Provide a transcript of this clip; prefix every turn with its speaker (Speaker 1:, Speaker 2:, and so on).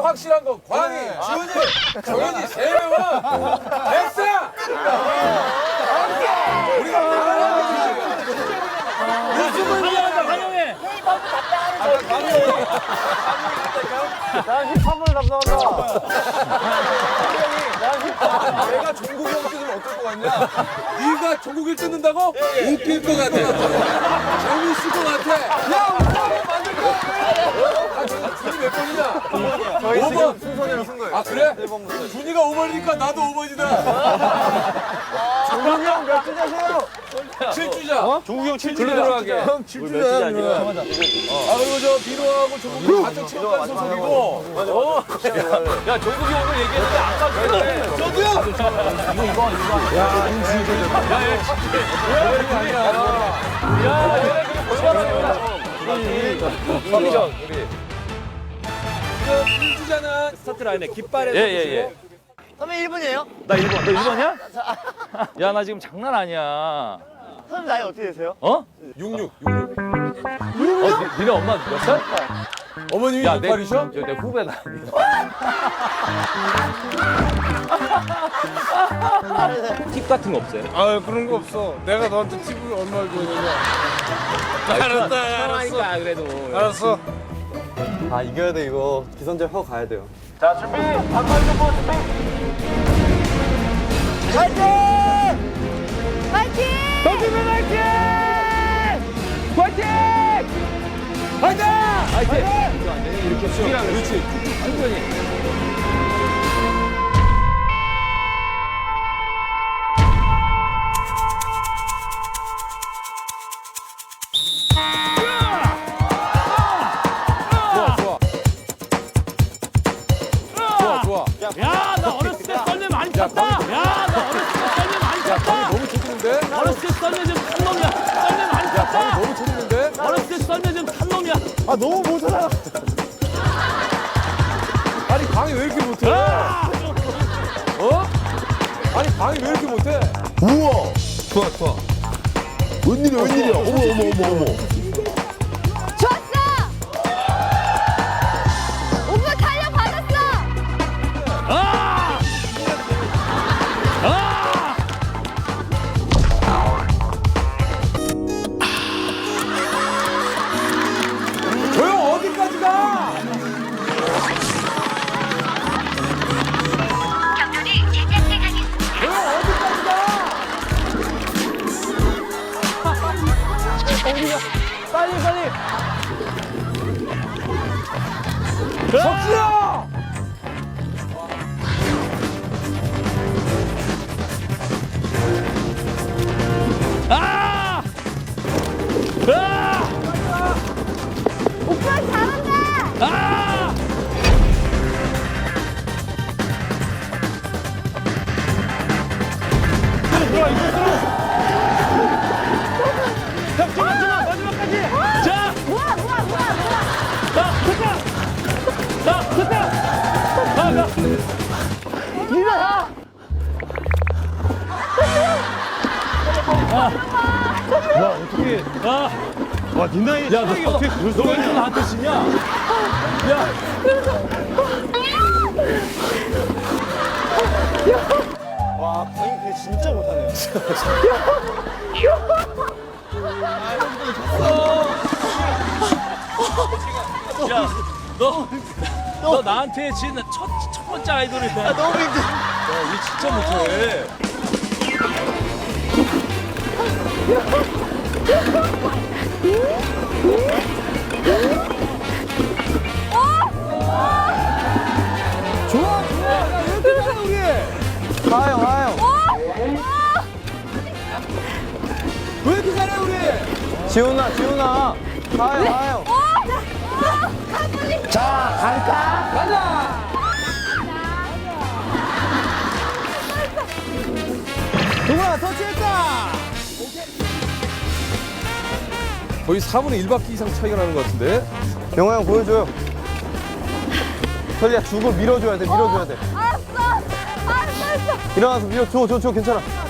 Speaker 1: 확실한 건 광희, 지훈이, 정현이 세 명은 됐어! 우리가 바라는 거지. 무슨
Speaker 2: 환영한다, 환영해.
Speaker 3: 난 힙합을 담당한다.
Speaker 1: 내가 종국이 형 뜯으면 어떨 것 같냐? 네가 종국이를 뜯는다고? 웃길 것 같아. 재밌을 것 같아. 야, 우리 한번 만들까? 아, 준이 몇 번이냐?
Speaker 3: 저희
Speaker 1: 5번.
Speaker 3: 지금 순서대로 쓴 거예요.
Speaker 1: 아, 그래?
Speaker 3: 1번부터.
Speaker 1: 준이가 5번이니까 나도 5번이다.
Speaker 3: 종국이 형 몇 주자세요?
Speaker 1: 7주자.
Speaker 3: 종국이 형 7주자.
Speaker 1: 글로 들어가게.
Speaker 3: 형 7주자야.
Speaker 1: 아, 그리고 저 비로하고 종국이 같은 체육관 소속이고.
Speaker 2: 야, 종국이 오늘 얘기했는데 아까 그래.
Speaker 1: 저도요?
Speaker 2: 야, 얘네 그게 볼만하겠다. 컨디션, 우리.
Speaker 1: 지금 1주자는
Speaker 2: 스타트 라인에 깃발에. 예.
Speaker 4: 선배 1분이에요?
Speaker 2: 나 1번. 너 1번이야? 야, 나 지금 장난 아니야.
Speaker 4: 선배 나이 어떻게 되세요?
Speaker 2: 어?
Speaker 1: 66.
Speaker 2: 니네 엄마 몇 살?
Speaker 1: 어머님이
Speaker 2: 야, 내
Speaker 1: 68이셔?
Speaker 2: 내 후배다. 팁 같은 거 없어요?
Speaker 5: 아 그런 거 없어. 내가 너한테 팁을 얼마를 줘야 되냐.
Speaker 2: 편하니까 그래도.
Speaker 5: 알았어.
Speaker 3: 아 이겨야 돼 이거. 기선제 하고 가야 돼요.
Speaker 2: 자, 준비. 반팔 좀 준비.
Speaker 4: 파이팅! 파이팅!
Speaker 2: 동주민 화이팅! 화이팅! 화이팅! 화이팅! 이렇게 숙이랑 그렇지. 완전히.
Speaker 1: 좋아.
Speaker 2: 야, 나 어렸을 때 썰매 많이 탔다. 야, 나 어렸을 때 썰매 많이 탔다.
Speaker 1: 너무 재밌는데?
Speaker 2: 어렸을 때 썰매 좀 탄 놈이야. 썰매 많이 탔다.
Speaker 1: 너무 재밌는데?
Speaker 2: 어렸을 때 썰매 좀 탄 놈이야.
Speaker 3: 아 너무 못하다.
Speaker 1: 아니 방이 왜 이렇게 못해? 어? 아니 방이 왜 이렇게 못해?
Speaker 6: 우와!
Speaker 1: 좋아.
Speaker 6: 웬일이야? 어머.
Speaker 7: 좋았어! 오빠 탄력 받았어!
Speaker 2: 아! 아!
Speaker 1: 저 형 어디까지 가? 저 형 어디까지 가?
Speaker 2: 빨리.
Speaker 1: 석수야!
Speaker 2: 아! 아!
Speaker 7: 오빠 잘한다!
Speaker 2: 아! 잠깐만, 마지막까지! 자!
Speaker 7: 뭐야!
Speaker 2: 자, 됐다! 가! 야, 어떻게. 와, 니 나이. 야, 너 어떻게 너 왜 나한테 지냐? 야.
Speaker 3: 와 광희 그게 진짜 못하네요.
Speaker 2: 야, 너 나한테 진 첫 번째 아이돌이다.
Speaker 4: 너무 힘들어.
Speaker 2: 야, 우리 진짜 못해.
Speaker 1: 좋아. 야, 왜 이렇게 잘해 우리?
Speaker 3: 가요.
Speaker 1: 왜 이렇게 잘해 우리?
Speaker 3: 지훈아. 가요.
Speaker 7: 자,
Speaker 1: 가자.
Speaker 3: 동아 터치했다.
Speaker 1: 거의 4분의 1바퀴 이상 차이가 나는 것 같은데?
Speaker 3: 영화 형 보여줘요. 설리야 죽을 밀어줘야 돼.
Speaker 7: 알았어!
Speaker 3: 일어나서 밀어. 줘 괜찮아.